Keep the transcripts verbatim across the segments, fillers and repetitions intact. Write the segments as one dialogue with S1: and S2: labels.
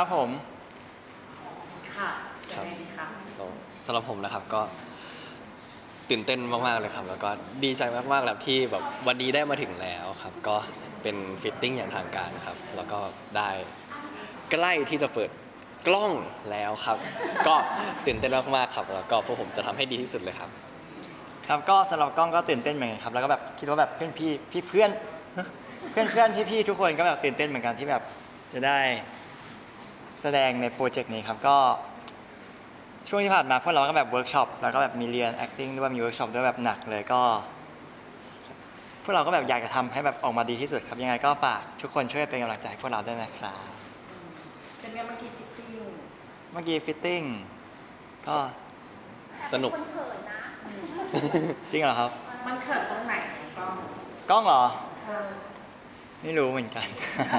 S1: ครับผม
S2: ค่ะยังไงดีคะ
S3: สำหรับผมนะครับก็ตื่นเต้นมากๆเลยครับแล้วก็ดีใจมากๆแล้วที่แบบวันนี้ได้มาถึงแล้วครับก็เป็นฟิตติ้งอย่างทางการครับแล้วก็ได้ใกล้ที่จะเปิดกล้องแล้วครับก็ตื่นเต้นมากๆครับแล้วก็พวกผมจะทำให้ดีที่สุดเลยครับ
S1: ครับก็สำหรับกล้องก็ตื่นเต้นเหมือนกันครับแล้วก็แบบคิดว่าแบบเพื่อนพี่พี่เพื่อนเพื่อนเพื่อนพี่พี่ทุกคนก็แบบตื่นเต้นเหมือนกันที่แบบจะได้แสดงในโปรเจกต์นี้ครับก็ช่วงที่ผ่านมาพวกเราก็แบบเวิร์กช็อปแล้วก็แบบมีเรียน acting ด้วยมีเวิร์กช็อปด้วยแบบหนักเลยก็พวกเราก็แบบอยากจะทำให้แบบออกมาดีที่สุดครับยังไงก็ฝากทุกคนช่วยเป็นกำลังใจให้พวกเราด้วยนะครับ
S2: เป็นไงเมื่อกี้ฟิตติ้ง
S1: เมื่อกี้ฟิตติ้งก็
S3: สนุก
S4: คนเขินนะ
S1: จริงเหรอครับ
S2: มันเขินตรงไหนกล้อง
S1: กล้องเหรอ
S2: เออ
S1: ไม่รู้เหมือนกัน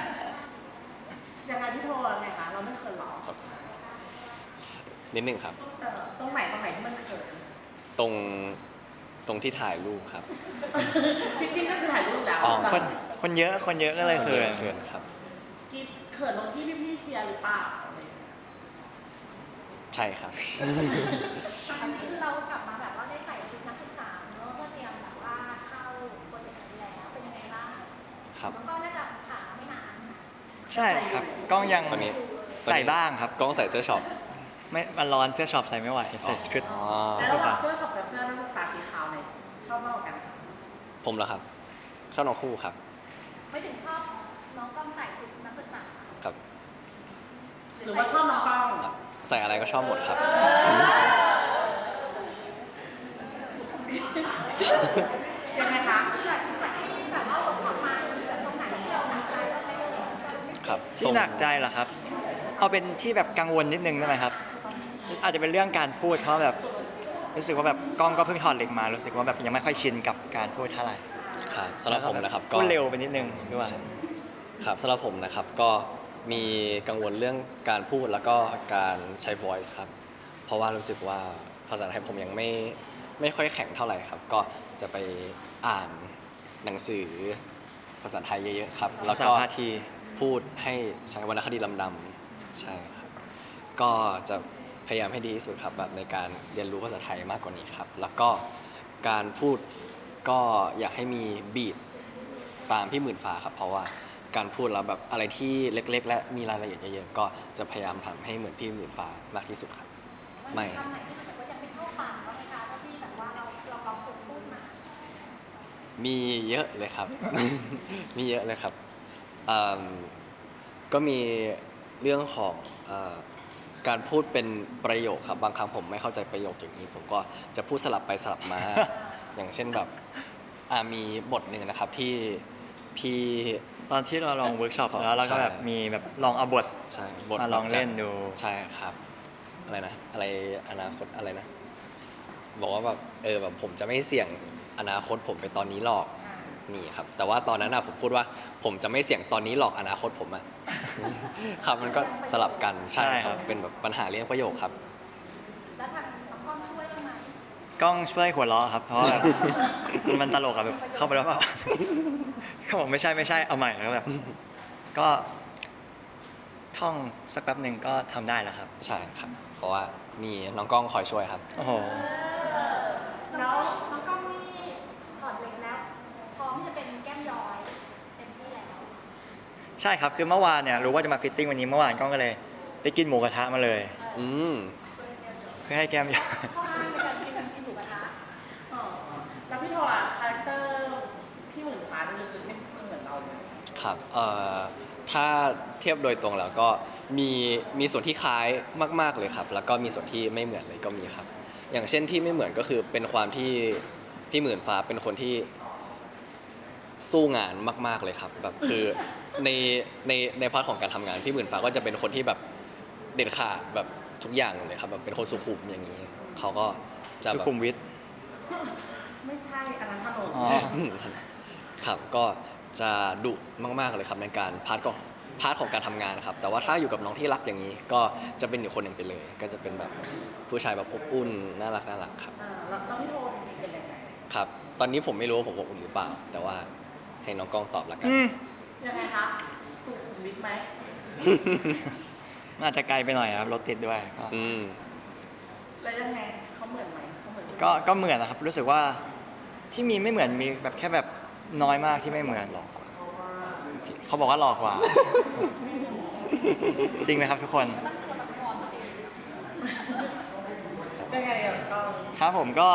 S2: ยังไงพี่โทรไงคะเราไม่เขินหรอ
S3: นิดนึงครับ
S2: เออตรงไหนตรงไหนที่มันเขิน
S3: ตรงตรงที่ถ่ายรูปครับ
S2: ฟิตติ้งก็คือถ่ายรูปแล้ว
S3: อ๋อ
S1: คนคนเยอะคนเยอะก็เลยเขิน
S3: เขินครับ
S2: กิ๊บเขินตรงที่พี่ๆเชียร์หรือเปล่าอะไรอย่างเงี้ย
S3: ใช่ครับ
S4: คือเรากลับมาแบบว่าได้ใส่ชุดนักศึกษาเนอะเพื่อเตรียมแบบว่าเข้าโปรเจกต์นี้แล้วเป็นยังไงบ้าง
S3: ครับ
S4: แล้วก็น่าจะผ่านมาไม่นาน
S1: ใช่ครับกล้องยัง
S3: ตอนนี้
S1: ใส่บ้างครับ
S3: กล้องใส่เสื้อช็อป
S1: ไม่มันร้อนเสื้อช็อปใส่ไม่ไหวใส่ชุด
S3: อ๋อ
S2: แล้วระหว่างเสื้อช็อปกับเสื้อนักศึกษาสีขาวเนี่ยชอบมากกว่ากัน
S3: ผมเหรอครับชอบน้องคู่ครับ
S4: ไม่ถึงชอบน้องกล้องใส่ชุดนักศึกษา
S3: ครับ
S2: หรือว่าชอบน้องกล้อง
S3: ใส่อะไรก็ชอบหมดครับ
S2: ยังไงคะ
S4: จากจากที่แบบว่าเวิร์กช็อปมาแบบตรงไหนที่เราหนักใจบ้างไหมเอ่ย
S3: ครับ
S1: ที่หนักใจเหรอครับ เอาเป็นที่แบบกังวลนิดนึงได้ไหมครับ อาจจะเป็นเรื่องการพูดเพราะแบบรู้สึกว่าแบบกล้องก็เพิ่งถอดเหล็กมารู้สึกว่าแบบยังไม่ค่อยชินกับการพูดเท่าไหร่
S3: ครับสำหรับผมนะครับก็
S1: พูดเร็วไปนิดนึงด้วย
S3: ครับสำหรับผมนะครับก็มีกังวลเรื่องการพูดแล้วก็การใช้ voice ครับเพราะว่ารู้สึกว่าภาษาไทยผมยังไม่ไม่ค่อยแข็งเท่าไหร่ครับก็จะไปอ่านหนังสือภาษาไทยเยอะๆครับแล้ว
S1: ภาษา
S3: ก็
S1: พาที
S3: พูดให้ใช้วรรณคดีลำดำใช่ครับก็จะพยายามให้ดีที่สุดครับแบบในการเรียนรู้ภาษาไทยมากกว่านี้ครับแล้วก็การพูดก็อยากให้มีบีทตามพี่หมื่นฟ้าครับเพราะว่าการพูดแล้วแบบอะไรที่เล็กๆ และมีรายละเอียดเยอะๆก็จะพยายามทำให้เหมือนพี่หมื่นฟ้ามากที่สุดครับไม่
S4: คำไหนที่รู้สึกว่ายังไม่เข้าปากบ้างไหมคะถ้าที่แบบว่าเราเราลองฝึกพูดมา
S3: มีเยอะเลยครับ มีเยอะเลยครับเอิ่มก็มีเรื่องของเอ่อการพูดเป็นประโยคครับบางครั้งผมไม่เข้าใจประโยคอย่างนี้ผมก็จะพูดสลับไปสลับมา อย่างเช่นแบบอ่ามีบทหนึ่งนะครับที่พี่
S1: ตอนที่เราลองเวิร์กช็อป
S3: สอน
S1: แล้วเราก็
S3: ใช่
S1: แบบมีแบบลองเอาบท
S3: ใช่บท
S1: มาลองเล่นดู
S3: ใช่ครับอะไรนะอะไรอนาคตอะไรนะบอกว่าแบบเออแบบผมจะไม่เสี่ยงอนาคตผมไปตอนนี้หรอกนี่ครับแต่ว่าตอนนั้นอะผมพูดว่าผมจะไม่เสี่ยงตอนนี้หรอกอนาคตผมอะ ครับมันก็สลับกันใช่
S1: ใช่
S3: ค
S1: ครั
S3: รับบ เป็นแบบปัญหาเรื่องประโยคครับ
S4: แล้วทางน้องกล้องช่วยได้ไหม
S1: กล้องช่วยหัวเราะครับเพราะว่าแบบ มันตลกอะแบบเข้าไปแล้วก็ เขาบอกไม่ใช่ไม่ใช่เอาใหม่แล้วแบบ ก็ท่องสักแป๊บหนึ่งก็ทำได้แล้วครับ
S3: ใช่ครับเพราะว่ามีน้องกล้องคอยช่วยครับ
S1: โอ้โห
S4: น้องน้องกล้องนี่ถอดเหล็กแล้วพร้อมที่จะเป็นแก้มย้อยเต็มที่แล้ว
S1: ใช่ครับคือเมื่อวานเนี่ยรู้ว่าจะมาฟิตติ้งวันนี้เมื่อวานกล้องก็เลยไปกินหมูกระทะมาเลย
S3: อืม
S1: เพื่อให้แก้มยาว
S4: ข้ออ้างในการกินกินหมูกระทะ
S2: เออแล้วพี่โทรอะคาแรคเตอร์พี่หมื่นฟ้าดูลึกๆไม่ไม่เหมือนเราเลย
S3: ครับเอ่อถ้าเทียบโดยตรงแล้วก็มีมีส่วนที่คล้ายมากๆเลยครับแล้วก็มีส่วนที่ไม่เหมือนเลยก็มีครับอย่างเช่นที่ไม่เหมือนก็คือเป็นความที่พี่หมื่นฟ้าเป็นคนที่สู้งานมากๆเลยครับแบบคือในในในพาร์ทของการทำงานพี่หมื่นฟ้าก็จะเป็นคนที่แบบเด็ดขาดแบบทุกอย่างเลยครับแบบเป็นคนสุขุมอย่างนี้เขาก็จะ
S1: สุ
S3: แบบ
S1: ขุมวิท
S2: ไม่ใช่อันนั้นถนน
S1: อ๋อ
S3: ครับก็จะดุมากๆเลยครับในการพาร์ทก็พาร์ทของการทำงานครับแต่ว่าถ้าอยู่กับน้องที่รักอย่างนี้ ก็จะเป็นอีกคนหนึ่งไปเลย ก็จะเป็นแบบผู้ชายแบบอบอุ่นน่ารักน่ารักครับ
S2: อ่าแล้วแล้วพี่โทรจริงๆเป็นยังไง
S3: ครับ ตอนนี้ผมไม่รู้ว่าผมอบอุ่นหรือเปล่า แต่ว่าให้น้องกล้องตอบละกัน
S1: อืม
S2: ยังไงคะสุขุมวิทไหม
S1: มันอาจจะไกลไปหน่อยครับรถติดด้วยก็
S3: อืม
S2: แล้วยังไงเขาเหมือนไหมเขาเหมือน
S1: ก็ก็เหมือนนะครับรู้สึกว่าที่มีไม่เหมือนมีแบบแค่แบบน้อยมากที่ไม่เหมือนหรอกเขาบอกว่าหลอกกว่า จริงไหมครับทุกคน
S2: ยังไงอ่ะก็
S1: ครับผมก็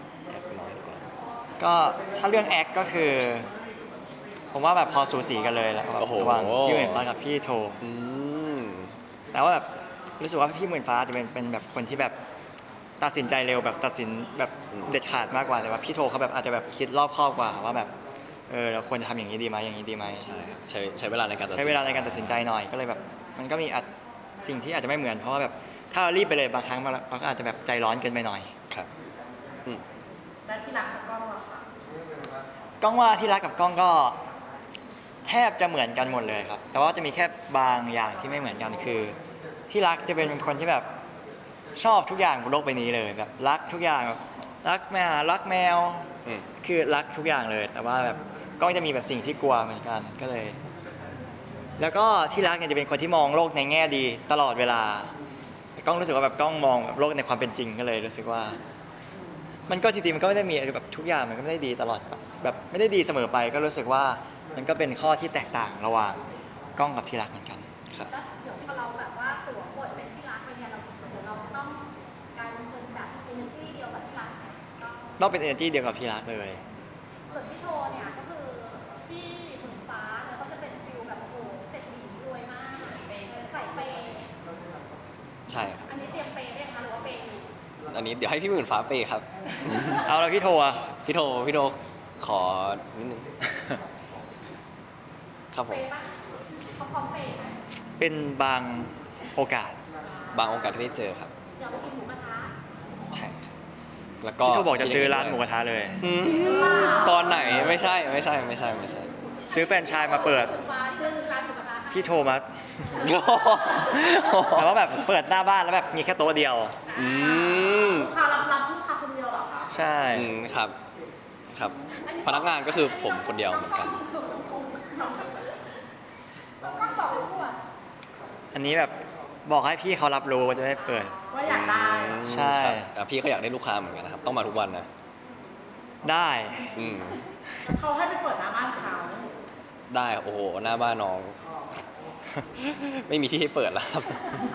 S1: ก็ถ้าเรื่องแอคก็คือ ผมว่าแบบพอสูสีกันเลยแล้วแบบ
S3: โอ้โห
S1: ระหว่างพี่หมื่นฟ้ากับพี่โท
S3: อืม
S1: แต่ว่าแบบรู้สึกว่าพี่หมื่นฟ้าจะเป็นเป็นแบบคนที่แบบตัดสินใจเร็วแบบตัดสินแบบเด็ดขาดมากกว่าแต่ว่าพี่โทเขาแบบอาจจะแบบคิดรอบคอบกว่าว่าแบบเออเราควรจะทำอย่างนี้ดีไหมอย่างนี้ดีไหม
S3: ใช่ครับใช้ใช้เวลาในการตัดสิน
S1: ใช้เวลาในการตัดสินใจหน่อยก็เลยแบบมันก็มีอาจสิ่งที่อาจจะไม่เหมือนเพราะว่าแบบถ้าเรารีบไปเลยบางครั้งเราก็อาจจะแบบใจร้อนเกินไปหน่อย
S3: ครับ
S2: แล้วที่รักกับกล้องอะค่ะ
S1: กล้องว่าที่รักกับกล้องก็แทบจะเหมือนกันหมดเลยครับ แต่ว่าจะมีแค่บางอย่างที่ไม่เหมือนกันคือ ที่รักจะเป็นคนที่แบบชอบทุกอย่างบนโลกใบนี้เลยแบบรักทุกอย่างแบบรักแมวรักแมว
S3: อืม
S1: คือรักทุกอย่างเลย แต่ว่าแบบกล้องจะมีแบบสิ่งที่กลัวเหมือนกันก็เลย แล้วก็ที่รักเนี่ยจะเป็นคนที่มองโลกในแง่ดีตลอดเวลากล้องรู้สึกว่าแบบกล้องมองแบบโลกในความเป็นจริงก็เลยรู้สึกว่า มันก็จริงๆมันก็ไม่ได้มีแบบทุกอย่างมันก็ไม่ได้ดีตลอดแบบไม่ได้ดีเสมอไป ก็รู้สึกว่ามันก็เป็นข้อที่แตกต่างระหว่างกล้องกับที่รักเหมือนกัน
S3: ครับ
S4: แล้วเดี๋ยวพอเราแบบว่าสวมบทเป็นที่รักไปเนี่ยเราเดี๋ยวเราจะต้องกลายเป็นคนแบบ energy เดียวกับที่รักไหมก็
S1: ต้องเป็น energy เดียวกับที่รักเลย
S4: ส่วนพี่โทเนี่ยก็คือพี่หมุนฟ้าเนี่ยเขาจะเป็นฟิลแบบโอ้โหเศรษฐีรวยมากเปย์ใส่เปย์
S3: ใช่ครับ
S4: อันนี้เตรียมเปย์ได้ไหมคะหรือว่าเปย์อยู่
S3: อันนี้เดี๋ยวให้พี่หมื่นฟ้าเปย์ครับ
S1: เอาแล้วพี่โทอะ
S3: พี่โทพี่โทขอนิดนึง ครับผ
S4: เป
S3: ม
S4: ย์ปะเขาพร้อมเปย์ไหม
S1: เป็นบางโอกาส
S3: บางโอกาสที่ได้เจอครับ
S4: เดี๋ยวไปกินหมูกระทะ
S3: ใช่ครับ แล้วก็
S1: พี่โทบอกจะซื้อร้านหมูกระทะเลย
S3: อืมตอนไหนไม่ใช่ไม่ใช่ไม่ใช่ไม่ใช่
S1: ซื้อแฟรนไชส์มาเปิด
S4: หมูฟ้าซื้อร้านหมูกระทะให้
S1: พี่โทมาแต่ว่าแบบเปิดหน้าบ้านแล้วแบบมีแค่โต๊ะเดียว
S3: อืม
S2: ลูกค้ารับรับลูกค้าคนเดียวเหรอคะ
S1: ใช่
S3: อืมครับ ครับ พนักงานก็คือผมคนเดียวเหมือนกัน
S4: ต้องก็บอกให้พูด
S1: อันนี้แบบบอกให้พี่เขารับรู้ว่าจะได้เปิด
S2: ว่าอยากได้
S1: ใช่
S3: ครับอ่ะพี่ก็อยากได้ลูกค้าเหมือนกันนะครับ ต้องมาทุกวันนะ
S1: ได้
S3: อืม
S2: เขาให้ไปเปิดหน้าบ้านเขา
S3: ได้ครับโอ้โห หน้าบ้านน้อง ไม่มีที่ให้เปิดแล้วครับ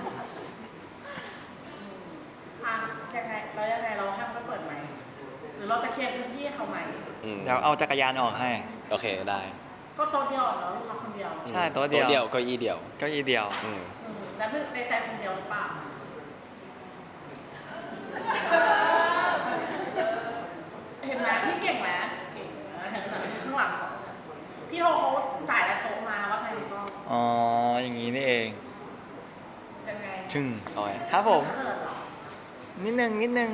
S2: อ่ะยังไงแล้วยังไงเราให้เขาไปเปิดไหมหรือเราจะเคลียร์พื้นที่ให้เขาไหม
S3: อืม
S1: เดี๋ยวเอาจักรยานออกให้
S3: โอเคได้
S2: ก็โต๊ะเดียวเหรอลูกค้าคนเดียว
S1: ใช่โต๊ะเดี
S3: โต๊ะ
S1: ยว
S3: เดียวเก็อี้เดียว
S1: เก็อีเดียว
S3: อืม
S2: อืมแล้วในใจคนเดียวหรือเปล่าเห็นไหมพี่เก่งไหมเก่งนะเห็นไหมข้างหลังเขาพี่โทเขาจ่ายแล้วโต๊ะมาว่าไงก็
S1: อ๋อ อย่างนี้นี่เอง
S2: ยังไง
S1: ชึ่ง
S3: เอาไว้
S1: ครับผม
S2: เขินเหรอ
S1: นิดนึงนิดนึง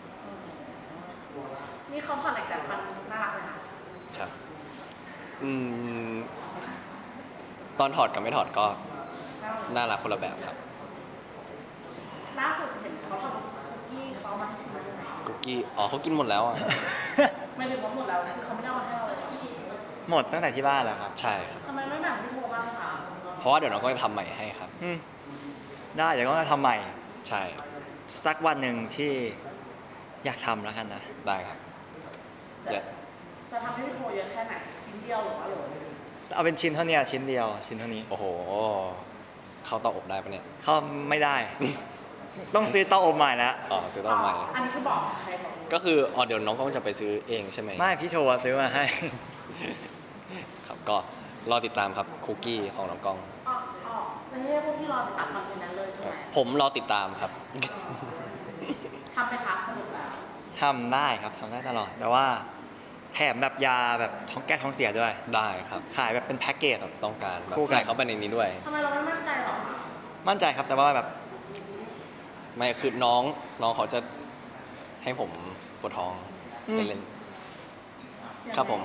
S2: นี่เขาผ่อนเหล็กแต่ฟันน่ารักเลยนะ
S3: ครับ อืม ตอนถอดกับไม่ถอดก็
S2: น่ารัก
S3: น่ารักคนละแบบครับ
S2: ล่าสุดเห็นเขาทำคุกกี้เขาเอามาให้ชิมด้วยไหม
S3: คุกกี้ อ๋อเขากินหมดแล้วอ่ะ
S2: ไม่ถึงว่าหมดแล้วคือเขาไม่ได้เอามาให้เราเลยเหรอ
S1: หมดตั้งแต่ที่บ้านแล้วครับ
S3: ใช่ครับ
S2: ทำไมไม่แบ่งพี่โทบ้างคะ
S3: เพราะว่าเดี๋ยวน้องก็จะทำใหม่ให้ครับ
S1: อืมได้เดี๋ยวก็จะทำใหม่
S3: ใช่
S1: สักวันหนึ่งที่อยากทำแล้วกันนะ
S3: ได้ครับ
S2: จะ
S3: เดี๋ยว
S2: จะทำให้พี่โทเยอะแค่ไหนชิ้นเดียวหรือว่าโหลนึง
S1: เอาเป็นชิ้นเท่านี้ชิ้นเดียวชิ้นเท่านี้
S3: โอ้โห เข้าเตาอบได้ปะเนี่ย
S1: เขาไม่ได้ ต้องซื้อเตาอบใหม่แล้ว
S3: อ๋อซื้อเตาอบใหม่
S2: อันนี้คือบอกใครบอก
S3: ก็คืออ๋อเดี๋ยวน้องก็จะไปซื้อเองใช่ไหม
S1: ไม่พี่โทรซื้อมาให้
S3: ครับก็รอติดตามครับคุกกี้ของน้องกล้อง
S2: อ๋ออ๋อแล้วนี่พวกที่รอติดตามคอนเทนต์นั้นเลยใช่ไหม
S3: ผมรอติดตามครับ
S2: ทำไปครับสรุปแล้ว
S1: ทำได้ครับทำได้ตลอด แต่ว่าแถมแบบยาแบบท้องแก้ท้องเสียด้วย
S3: ได้ครับ
S1: ขายแบบเป็นแพ็กเกจ
S3: แบบต้องการแบบ
S1: คู่กัน
S3: ใส่เข้าไปในนี้ด้วย
S2: ทำไมเราไม่มั่นใจหรอ
S1: มั่นใจครับแต่ว่าแบบ
S3: ไม่คือน้องน้องเขาจะให้ผมปวดท้อง
S1: อืม
S3: เล่นๆครับผม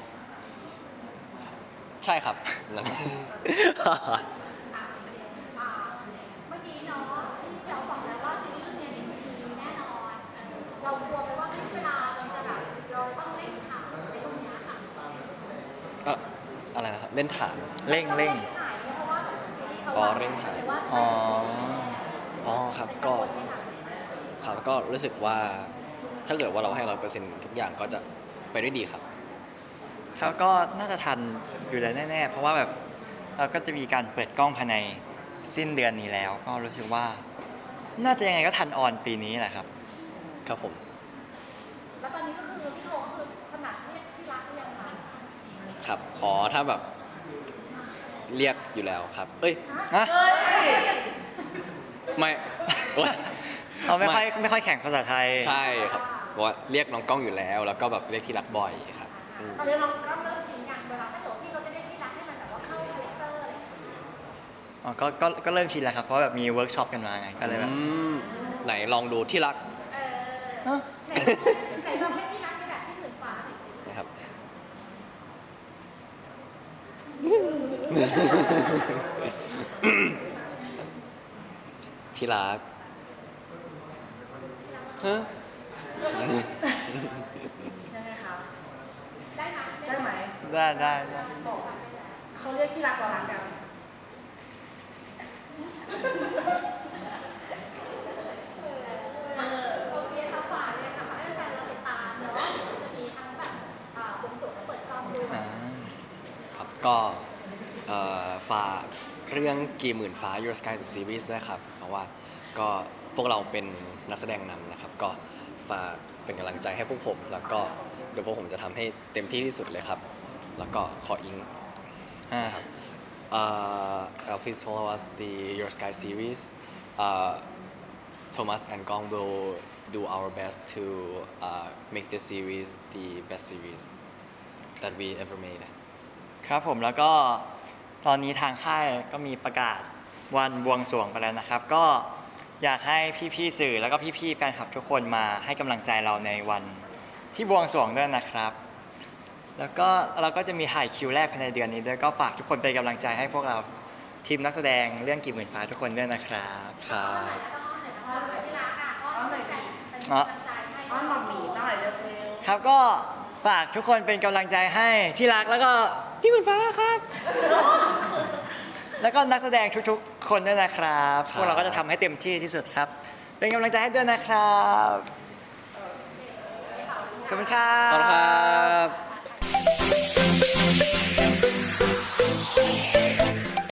S3: ใช่ครับ นั่น
S4: อ่ะอ่าเมื่อกี้เนาะที่เราบอกแล้วว่าซีรีส์เรื่องนี้มีซีรีส์แน่นอนเรากลัวไปว่าเวลาเราจะแบบเราต้องเล่นข่าวในตรงเนี้ยค่ะ
S3: เอ่ออะไรนะครับ เล่นฐาน
S1: เร่งเร่ง
S4: ถ่ายเพราะว่าแบบซีรีส์เขา
S3: อ๋อเร่งถ่าย
S4: หรือว่า
S1: อ๋อ
S3: อ๋อครับก็ครับก็รู้สึกว่าถ้าเกิดว่าเราให้ร้อยเปอร์เซ็นต์ทุกอย่างก็จะไปได้ดีครับ
S1: ครับก็น่าจะทันอยู่แล้วแน่ๆ เพราะว่าแบบเราก็จะมีการเปิดกล้องภายในสิ้นเดือนนี้แล้ว ก็รู้สึกว่า น่าจะยังไงก็ทันออนปีนี้แหละครับ
S3: ครับผม
S4: แล้วตอนนี้ก็คือพี่โทก็คือขนาดเรียกที่รักหรือยังคะ
S3: ครับอ๋อถ้าแบบเรียกอยู่แล้วครับ เอ้ย
S1: ฮะ
S2: เฮ้ย
S3: ไม่โอ๊ย
S1: เขาไม่ค่อย
S3: ไม่
S1: ไม่ค่อยแข่งภาษาไทย
S3: ใช่ครับเพราะว่าเรียกน้องกล้องอยู่แล้ว แล้วก็แบบเรียกที่รักบ่อยครับอืม
S4: ตอนนี้เราก็เริ่มชินกันเวลาถ้าเกิดว่าพี่เขาจะเรียกที่รักให้มันแบบว่าเข้าคาแรคเตอร์อะไรอย่างเงี้ย
S1: อ๋อก็ก็ก็เริ่มชินแล้วครับ เพราะว่าแบบมีเวิร์กช็อปกันมาไง ก็เลยแบบ
S3: อืมไหนลองดูที่รัก
S4: เออ
S1: ฮะ
S4: ไหนไหนลองให้ที่รักในแบบที่หมื่นฟ้าหน่อยสิ
S3: นะครับ ที่รักฮะ
S2: ยังไงคะ
S4: ได้ไหม
S2: ได้ไหม
S1: ได้ได้ได้
S2: บอกเขาเรียกที่รักเรารักกัน
S4: โอเคค่ะฝากเลยค่ะฝากให้แฟนเราติดตามเนาะเดี๋ยวจะมีทั้งแบบอ่าบวงสรวงและเปิดกล้องด้วย
S1: อ่า
S3: ครับก็เอ่อฝากเรื่องกี่หมื่นฟ้า Your Sky the Series นะครับ เพราะว่าก็พวกเราเป็นนักแสดงนำนะครับ ก็ฝากเป็นกำลังใจให้พวกผม แล้วก็เดี๋ยวพวกผมจะทำให้เต็มที่ที่สุดเลยครับ แล้วก็ขออิง
S1: อ่า
S3: uh, uh, please follow us the Your Sky series. Uh, Thomas and Gong will do our best to uh, make this series the best series that we ever made.
S1: ครับผมแล้วก็ตอนนี้ทางค่ายก็มีประกาศวันบวงสรวงไปแล้วนะครับ ก็อยากให้พี่ๆสื่อแล้วก็พี่ๆแฟนคลับทุกคนมาให้กำลังใจเราในวันที่บวงสรวงด้วยนะครับ แล้วก็เราก็จะมีถ่ายคิวแรกภายในเดือนนี้ด้วยก็ฝากทุกคนเป็นกำลังใจให้พวกเราทีมนักแสดงเรื่องกี่หมื่นฟ้าทุกคนด้วยนะครับ
S3: ครับ
S4: แล้วก็อ้อนหน่อยนะคะอ้อนหน่อยที่รักอ่ะอ้อนเป็นกำลังใจให้
S2: อ้อนหมอหมีหน่อยเร็ว
S1: ครับก็ฝากทุกคนเป็นกำลังใจให้ที่รักแล้วก็ที่หมื่นฟ้าครับ แล้วก็นักแสดงทุกๆ คนด้วยนะครับ
S3: ครับ
S1: พวกเราก็จะทำให้เต็มที่ที่สุดครับ เป็นกำลังใจให้ด้วยนะครับขอบคุณครั
S3: ขอบคุณครับ บ